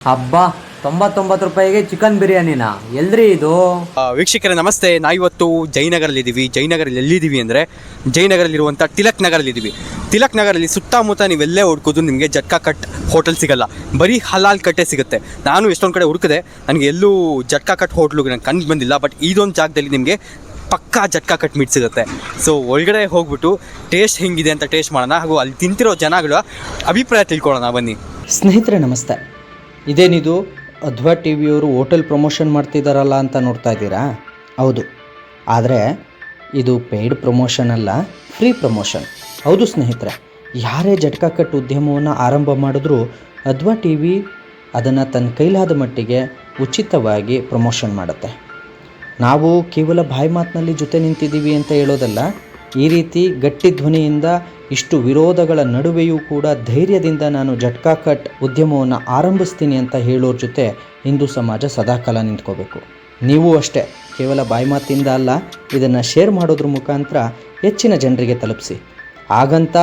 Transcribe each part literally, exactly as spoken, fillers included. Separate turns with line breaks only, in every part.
ಹಬ್ಬ ತೊಂಬತ್ತೊಂಬತ್ತು ರೂಪಾಯಿಗೆ ಚಿಕನ್ ಬಿರಿಯಾನಿನಾ ಎಲ್ರಿ ಇದು?
ವೀಕ್ಷಕರೇ ನಮಸ್ತೆ. ನಾವು ಇವತ್ತು ಜಯನಗರಲ್ಲಿದ್ದೀವಿ. ಜಯನಗರಲ್ಲಿ ಎಲ್ಲಿದ್ದೀವಿ ಅಂದರೆ ಜಯನಗರಲ್ಲಿರುವಂಥ ತಿಲಕ್ ನಗರಲ್ಲಿದ್ದೀವಿ. ತಿಲಕ್ ನಗರಲ್ಲಿ ಸುತ್ತಮುತ್ತ ನೀವೆಲ್ಲೇ ಹುಡ್ಕೋದು ನಿಮಗೆ ಜಟ್ಕಾ ಕಟ್ ಹೋಟೆಲ್ ಸಿಗಲ್ಲ, ಬರೀ ಹಲಾಲ್ ಕಟ್ಟೆ ಸಿಗುತ್ತೆ. ನಾನು ಎಷ್ಟೊಂದು ಕಡೆ ಹುಡುಕಿದೆ, ನನಗೆ ಎಲ್ಲೂ ಜಟ್ಕಾ ಕಟ್ ಹೋಟ್ಲು ನಂಗೆ ಕಂಡು ಬಂದಿಲ್ಲ. ಬಟ್ ಇದೊಂದು ಜಾಗದಲ್ಲಿ ನಿಮಗೆ ಪಕ್ಕಾ ಜಟ್ಕಾ ಕಟ್ ಮೀಟ್ ಸಿಗುತ್ತೆ. ಸೊ ಒಳಗಡೆ ಹೋಗ್ಬಿಟ್ಟು ಟೇಸ್ಟ್ ಹೆಂಗಿದೆ ಅಂತ ಟೇಸ್ಟ್ ಮಾಡೋಣ, ಹಾಗೂ ಅಲ್ಲಿ ತಿಂತಿರೋ ಜನಗಳ ಅಭಿಪ್ರಾಯ ತಿಳ್ಕೊಳ್ಳೋಣ ಬನ್ನಿ.
ಸ್ನೇಹಿತರೆ ನಮಸ್ತೆ. ಇದೇನಿದು ಅಧ್ವಾ ಟಿ ವಿಯವರು ಹೋಟೆಲ್ ಪ್ರಮೋಷನ್ ಮಾಡ್ತಿದ್ದಾರಲ್ಲ ಅಂತ ನೋಡ್ತಾ ಇದ್ದೀರಾ? ಹೌದು, ಆದರೆ ಇದು ಪೇಯ್ಡ್ ಪ್ರಮೋಷನ್ ಅಲ್ಲ, ಫ್ರೀ ಪ್ರಮೋಷನ್. ಹೌದು ಸ್ನೇಹಿತರೆ, ಯಾರೇ ಜಟ್ಕಾ ಕಟ್ ಉದ್ಯಮವನ್ನು ಆರಂಭ ಮಾಡಿದ್ರೂ ಅಧ್ವಾ ಟಿ ವಿ ಅದನ್ನು ತನ್ನ ಕೈಲಾದ ಮಟ್ಟಿಗೆ ಉಚಿತವಾಗಿ ಪ್ರಮೋಷನ್ ಮಾಡುತ್ತೆ. ನಾವು ಕೇವಲ ಬಾಯಿ ಮಾತಿನಲ್ಲಿ ಜೊತೆ ನಿಂತಿದ್ದೀವಿ ಅಂತ ಹೇಳೋದಲ್ಲ, ಈ ರೀತಿ ಗಟ್ಟಿ ಧ್ವನಿಯಿಂದ ಇಷ್ಟು ವಿರೋಧಗಳ ನಡುವೆಯೂ ಕೂಡ ಧೈರ್ಯದಿಂದ ನಾನು ಜಟ್ಕಾ ಕಟ್ ಉದ್ಯಮವನ್ನು ಆರಂಭಿಸ್ತೀನಿ ಅಂತ ಹೇಳೋರ ಜೊತೆ ಹಿಂದೂ ಸಮಾಜ ಸದಾಕಾಲ ನಿಂತ್ಕೋಬೇಕು. ನೀವು ಅಷ್ಟೇ, ಕೇವಲ ಬಾಯಿ ಮಾತಿಂದ ಅಲ್ಲ, ಇದನ್ನು ಶೇರ್ ಮಾಡೋದ್ರ ಮುಖಾಂತರ ಹೆಚ್ಚಿನ ಜನರಿಗೆ ತಲುಪಿಸಿ. ಹಾಗಂತ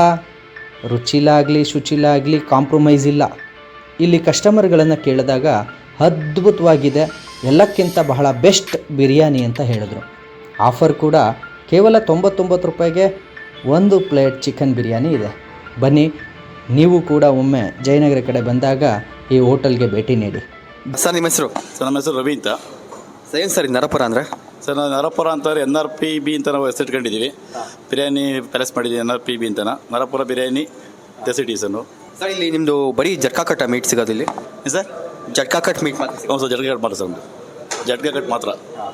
ರುಚಿಲಾಗಲಿ ಶುಚಿಲಾಗಲಿ ಕಾಂಪ್ರಮೈಸ್ ಇಲ್ಲ. ಇಲ್ಲಿ ಕಸ್ಟಮರ್ಗಳನ್ನು ಕೇಳಿದಾಗ ಅದ್ಭುತವಾಗಿದೆ, ಎಲ್ಲಕ್ಕಿಂತ ಬಹಳ ಬೆಸ್ಟ್ ಬಿರಿಯಾನಿ ಅಂತ ಹೇಳಿದ್ರು. ಆಫರ್ ಕೂಡ ಕೇವಲ ತೊಂಬತ್ತೊಂಬತ್ತು ರೂಪಾಯಿಗೆ ಒಂದು ಪ್ಲೇಟ್ ಚಿಕನ್ ಬಿರಿಯಾನಿ ಇದೆ. ಬನ್ನಿ, ನೀವು ಕೂಡ ಒಮ್ಮೆ ಜಯನಗರ ಕಡೆ ಬಂದಾಗ ಈ ಹೋಟೆಲ್ಗೆ ಭೇಟಿ ನೀಡಿ.
ಸರ್ ನಿಮ್ಮ ಹೆಸರು?
ಸರ್ ನಮ್ಮ ಹೆಸರು ರವಿ ಅಂತ.
ಸರ್ ಏನು ಸರ್ ಇದು ನರಪುರ ಅಂದರೆ?
ಸರ್ ನಾವು ನರಪುರ ಅಂತಂದರೆ ಎನ್ ಆರ್ ಪಿ ಬಿ ಅಂತ ನಾವು ಹೆಸರಿಟ್ಕೊಂಡಿದ್ದೀವಿ. ಬಿರಿಯಾನಿ ಪ್ಯಾಲೇಸ್ ಮಾಡಿದ್ದೀವಿ ಎನ್ ಆರ್ ಪಿ ಬಿ ಅಂತನ. ನರಪುರ ಬಿರಿಯಾನಿ ಡೆಸಿಟಿ ಸರ್.
ಸರ್ ಇಲ್ಲಿ ನಿಮ್ಮದು ಬರೀ ಜಟ್ಕಾ ಕಟ್ ಮೀಟ್ ಸಿಗೋದು ಇಲ್ಲಿ
ಸರ್?
ಜಟ್ಕಾ ಕಟ್ ಮೀಟ್ ಮಾತ್ರ?
ಹ್ಞೂ ಸರ್, ಜಟ್ಕಾ ಕಟ್ ಮಾತ್ರ ಸರ್. ಒಂದು ಜಟ್ಕಾ ಕಟ್ ಮಾತ್ರ.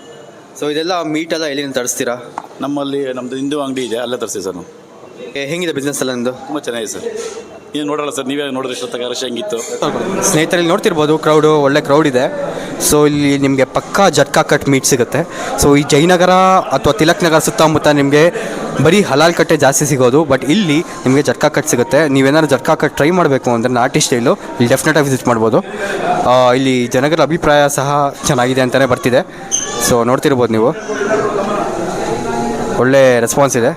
ಸೊ ಇದೆಲ್ಲ ಮೀಟೆಲ್ಲ ಎಲ್ಲಿಂದ ತರಿಸ್ತೀರಾ?
ನಮ್ಮಲ್ಲಿ ನಮ್ಮದು ಹಿಂದೂ ಅಂಗಡಿ ಇದೆ, ಅಲ್ಲೇ ತರಿಸ್ತೀವಿ ಸರ್ ನಾವು.
ಹೆಂಗಿದೆ ಬಿಸ್ನೆಸ್ ಎಲ್ಲ ನಿಮ್ಮದು?
ತುಂಬ ಚೆನ್ನಾಗಿದೆ ಸರ್. ನೀವು ನೋಡೋಲ್ಲ ಸರ್, ನೀವೇ ನೋಡಿದ್ರೆ ಇಷ್ಟೊತ್ತಾಗ ರಶ್ ಹೆಂಗಿತ್ತು.
ಸ್ನೇಹಿತರಲ್ಲಿ ನೋಡ್ತಿರ್ಬೋದು, ಕ್ರೌಡು ಒಳ್ಳೆ ಕ್ರೌಡ್ ಇದೆ. ಸೊ ಇಲ್ಲಿ ನಿಮಗೆ ಪಕ್ಕಾ ಜಟ್ಕಾ ಕಟ್ ಮೀಟ್ ಸಿಗುತ್ತೆ. ಸೊ ಈ ಜಯನಗರ ಅಥವಾ ತಿಲಕ್ ನಗರ ಸುತ್ತಮುತ್ತ ನಿಮಗೆ ಬರೀ ಹಲಾಲ್ ಕಟ್ಟೆ ಜಾಸ್ತಿ ಸಿಗೋದು, ಬಟ್ ಇಲ್ಲಿ ನಿಮಗೆ ಜಟ್ಕಾ ಕಟ್ ಸಿಗುತ್ತೆ. ನೀವೇನಾದ್ರು ಜಟ್ಕಾ ಕಟ್ ಟ್ರೈ ಮಾಡಬೇಕು ಅಂದರೆ ನಾಟಿ ಸ್ಟೈಲು ಇಲ್ಲಿ ಡೆಫಿನೆಟಾಗಿ ವಿಸಿಟ್ ಮಾಡ್ಬೋದು. ಇಲ್ಲಿ ಜನಗಳ ಅಭಿಪ್ರಾಯ ಸಹ ಚೆನ್ನಾಗಿದೆ ಅಂತಲೇ ಬರ್ತಿದೆ. ಸೊ ನೋಡ್ತಿರ್ಬೋದು ನೀವು, ಒಳ್ಳೆ ರೆಸ್ಪಾನ್ಸ್ ಇದೆ.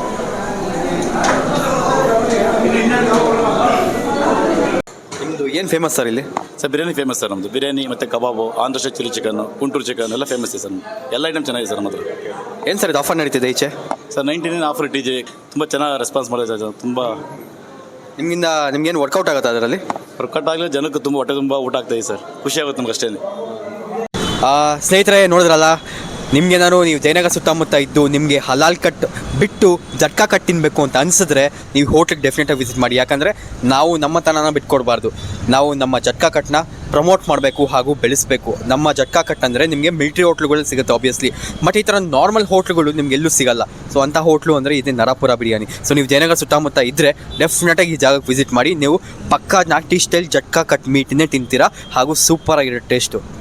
ನಿಮ್ಮದು ಏನು ಫೇಮಸ್ ಸರ್ ಇಲ್ಲಿ?
ಸರ್ ಬಿರಿಯಾನಿ ಫೇಮಸ್ ಸರ್ ನಮ್ಮದು. ಬಿರಿಯಾನಿ ಮತ್ತು kebab, Andhra style chilli chicken, Guntur chicken ಎಲ್ಲ ಫೇಮಸ್ ಇದೆ ಸರ್. ಎಲ್ಲ ಐಟಮ್ ಚೆನ್ನಾಗಿದೆ ಸರ್ ನಮ್ಮ ಹತ್ರ.
ಏನು ಸರ್ ಇದು ಆಫರ್ ನಡೀತಿದೆ ಈಚೆ?
ಸರ್ ನೈಂಟಿ ನೈನ್ ಆಫರ್ ಇಟ್ಟಿದ್ದೀವಿ. ತುಂಬ ಚೆನ್ನಾಗಿ ರೆಸ್ಪಾನ್ಸ್ ಮಾಡಿದೆ ಸರ್. ತುಂಬ
ನಿಮಗಿಂದ ನಿಮ್ಗೇನು ವರ್ಕೌಟ್ ಆಗುತ್ತೆ ಅದರಲ್ಲಿ?
ವರ್ಕೌಟ್ ಆಗಲಿ, ಜನಕ್ಕೆ ತುಂಬ ಹೊಟ್ಟೆ ತುಂಬ ಊಟ ಆಗ್ತಾಯಿದೆ ಸರ್. ಖುಷಿ ಆಗುತ್ತೆ ನಮ್ಗೆ ಅಷ್ಟೇ.
ಸ್ನೇಹಿತರೆ ನೋಡಿದ್ರಲ್ಲ, ನಿಮಗೆ ನಾನು ನೀವು ಜಯನಗರ ಸುತ್ತಮುತ್ತ ಇದ್ದು ನಿಮಗೆ ಹಲಾಲ್ ಕಟ್ ಬಿಟ್ಟು ಜಟ್ಕಾ ಕಟ್ ತಿನ್ನಬೇಕು ಅಂತ ಅನಿಸಿದ್ರೆ ನೀವು ಹೋಟ್ಲಿಗೆ ಡೆಫಿನೆಟಾಗಿ ವಿಸಿಟ್ ಮಾಡಿ. ಯಾಕಂದರೆ ನಾವು ನಮ್ಮ ತನನ ಬಿಟ್ಕೊಡ್ಬಾರ್ದು. ನಾವು ನಮ್ಮ ಜಟ್ಕಾ ಕಟ್ನ ಪ್ರಮೋಟ್ ಮಾಡಬೇಕು ಹಾಗೂ ಬೆಳೆಸಬೇಕು. ನಮ್ಮ ಜಟ್ಕಾ ಕಟ್ ಅಂದರೆ ನಿಮಗೆ ಮಿಲ್ಟ್ರಿ ಹೋಟ್ಲುಗಳು ಸಿಗುತ್ತೆ ಆಬ್ವಿಯಸ್ಲಿ, ಬಟ್ ಈ ಥರ ನಾರ್ಮಲ್ ಹೋಟ್ಲುಗಳು ನಿಮ್ಗೆ ಎಲ್ಲೂ ಸಿಗಲ್ಲ. ಸೊ ಅಂಥ ಹೋಟ್ಲು ಅಂದರೆ ಇದೆ ನರಪುರ ಬಿರಿಯಾನಿ. ಸೊ ನೀವು ಜಯನಗರ ಸುತ್ತಮುತ್ತ ಇದ್ದರೆ ಡೆಫಿನೆಟಾಗಿ ಈ ಜಾಗಕ್ಕೆ ವಿಸಿಟ್ ಮಾಡಿ. ನೀವು ಪಕ್ಕಾ ನಾಟಿ ಸ್ಟೈಲ್ ಜಟ್ಕಾ ಕಟ್ ಮೀಟನ್ನೇ ತಿಂತೀರಾ, ಹಾಗೂ ಸೂಪರಾಗಿರೋ ಟೇಸ್ಟು.